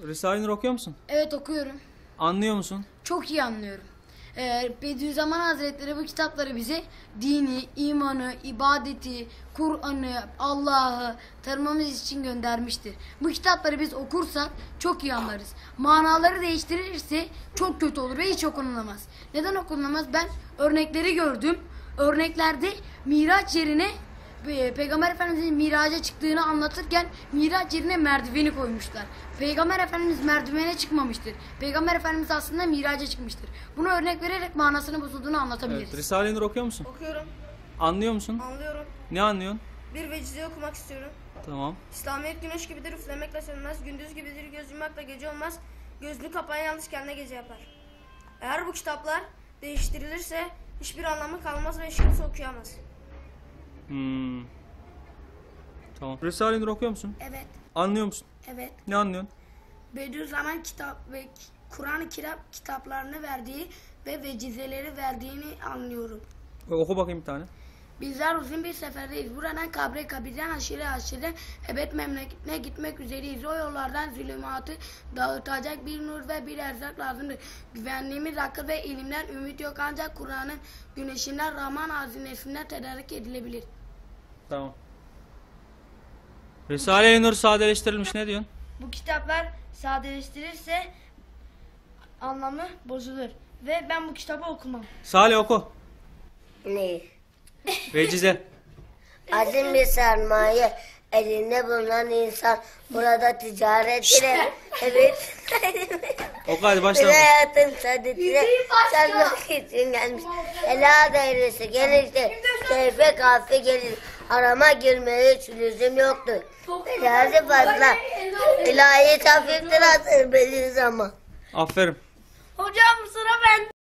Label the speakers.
Speaker 1: Risale-i Nur okuyor musun?
Speaker 2: Evet, okuyorum.
Speaker 1: Anlıyor musun?
Speaker 2: Çok iyi anlıyorum. Bediüzzaman Hazretleri bu kitapları bize dini, imanı, ibadeti, Kur'an'ı, Allah'ı tanımamız için göndermiştir. Bu kitapları biz okursak çok iyi anlarız. Manaları değiştirirse çok kötü olur ve hiç okunamaz. Neden okunamaz? Ben örnekleri gördüm. Örneklerde Miraç yerine Peygamber Efendimiz'in miraca çıktığını anlatırken miraç yerine merdiveni koymuşlar. Peygamber Efendimiz merdivene çıkmamıştır. Peygamber Efendimiz aslında miraca çıkmıştır. Bunu örnek vererek manasını bozulduğunu anlatabiliriz.
Speaker 1: Evet. Risale-i Nur okuyor musun?
Speaker 3: Okuyorum,
Speaker 1: Anlıyor musun?
Speaker 3: anlıyorum.
Speaker 1: Ne anlıyorsun?
Speaker 3: Bir vecize okumak istiyorum.
Speaker 1: Tamam.
Speaker 3: İslamiyet güneş gibidir, üflemekle sönmez. Gündüz gibidir, göz yummakla gece olmaz. Gözünü kapayan yanlış kendine gece yapar. Eğer bu kitaplar değiştirilirse hiçbir anlamı kalmaz ve hiç kimse okuyamaz.
Speaker 1: Tamam. Risale-i Nur okuyor musun?
Speaker 4: Evet,
Speaker 1: Anlıyor musun?
Speaker 4: evet.
Speaker 1: Ne anlıyorsun?
Speaker 4: Bediüzzaman kitap ve Kur'an-ı Kerim kitaplarını verdiği ve vecizeleri verdiğini anlıyorum.
Speaker 1: Oku bakayım bir tane.
Speaker 4: Bizler uzun bir seferdeyiz. Buradan kabre, kabirden aşire aşire ebed memleketine gitmek üzereyiz. O yollardan zulümatı dağıtacak bir nur ve bir erzak lazımdır. Güvenliğimiz akıl ve ilimden ümit yok, ancak Kur'an'ın güneşinden, Rahman hazinesinden tedarik edilebilir.
Speaker 1: Tamam. Risale-i Nur sadeleştirilmiş, ne diyorsun?
Speaker 5: Bu kitaplar sadeleştirirse anlamı bozulur ve ben bu kitabı okumam.
Speaker 1: Salih oku.
Speaker 6: Ne?
Speaker 1: Vecize.
Speaker 6: Azim bir sermaye elinde bulunan insan burada ticaret ile evet
Speaker 1: Oku hadi
Speaker 6: bir
Speaker 1: başla.
Speaker 6: hayatın saadetine sarmak için gelmiş. Ela dairesi gelirse keyfe kafi gelir. Harama girmeye hiç lüzum yoktur. Belası fazla. İlahi hafiftir asır Bediüzzaman.
Speaker 1: Aferin.
Speaker 5: Hocam sıra bende.